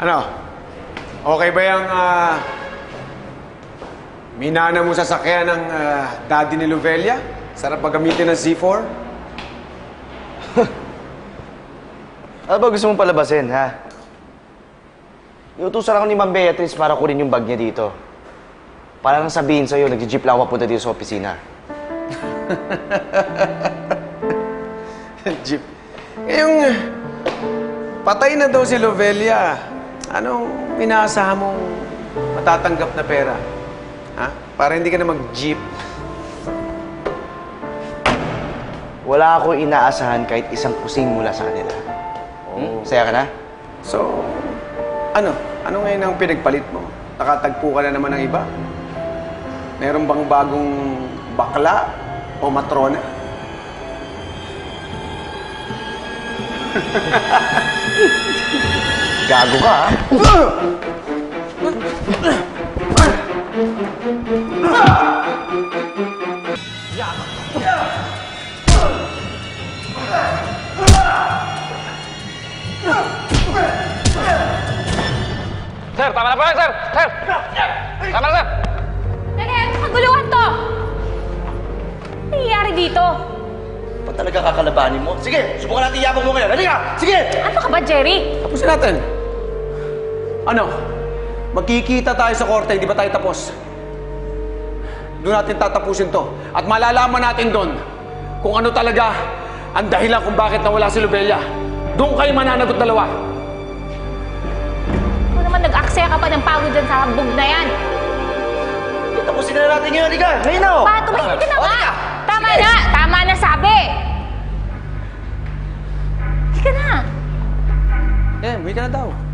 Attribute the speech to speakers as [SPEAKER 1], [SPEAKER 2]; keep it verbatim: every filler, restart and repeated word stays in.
[SPEAKER 1] Ano? Okay ba yung uh, minana mo sa sakyan ng uh, daddy ni Lovelia? Sarap pa gamitin ng Z four?
[SPEAKER 2] Ano ba gusto mong palabasin, ha? Iutusan ako ni Ma'am Beatrice para kunin yung bag niya dito. Para lang sabihin sa'yo, nag-jeep lang ako papunta dito sa opisina.
[SPEAKER 1] Jeep. Eh, yung patay na daw si Lovelia. Anong inaasahan mong matatanggap na pera? Ha? Para hindi ka na mag-jeep.
[SPEAKER 2] Wala akong inaasahan kahit isang kusing mula sa kanila. Hmm? Saya ka na?
[SPEAKER 1] So, ano? Ano ngayon ang pinagpalit mo? Nakatagpo ka na naman ng iba? Meron bang bagong bakla o matrona?
[SPEAKER 2] Gago ka, ha?
[SPEAKER 3] Sir, tama na po yan, sir! Sir! Tama na, sir!
[SPEAKER 4] Teka, kaguluhan to! Ano nangyayari dito?
[SPEAKER 2] Ba't talaga kakalabanin mo? Sige, subukan natin yabang mo ngayon. Halika! Sige!
[SPEAKER 4] Ano ka ba, Jerry?
[SPEAKER 1] Tapusin natin. Ano? Magkikita tayo sa korte, hindi ba tayo tapos? Doon natin tatapusin to. At malalaman natin doon kung ano talaga ang dahilan kung bakit nawala si Lovelia. Doon kayo mananagot dalawa.
[SPEAKER 4] Ikaw naman nag-aksaya ka pa ng pagod dyan sa hambog na yan.
[SPEAKER 2] Tapusin na natin ngayon. Halika! Ngayon na, oh!
[SPEAKER 4] Pa, tumahimik ka na
[SPEAKER 2] Oh,
[SPEAKER 4] nga!
[SPEAKER 2] halika!
[SPEAKER 4] Tama
[SPEAKER 2] Sige.
[SPEAKER 4] na! Tama na sabi! Halika na!
[SPEAKER 1] Eh, uwi ka na daw.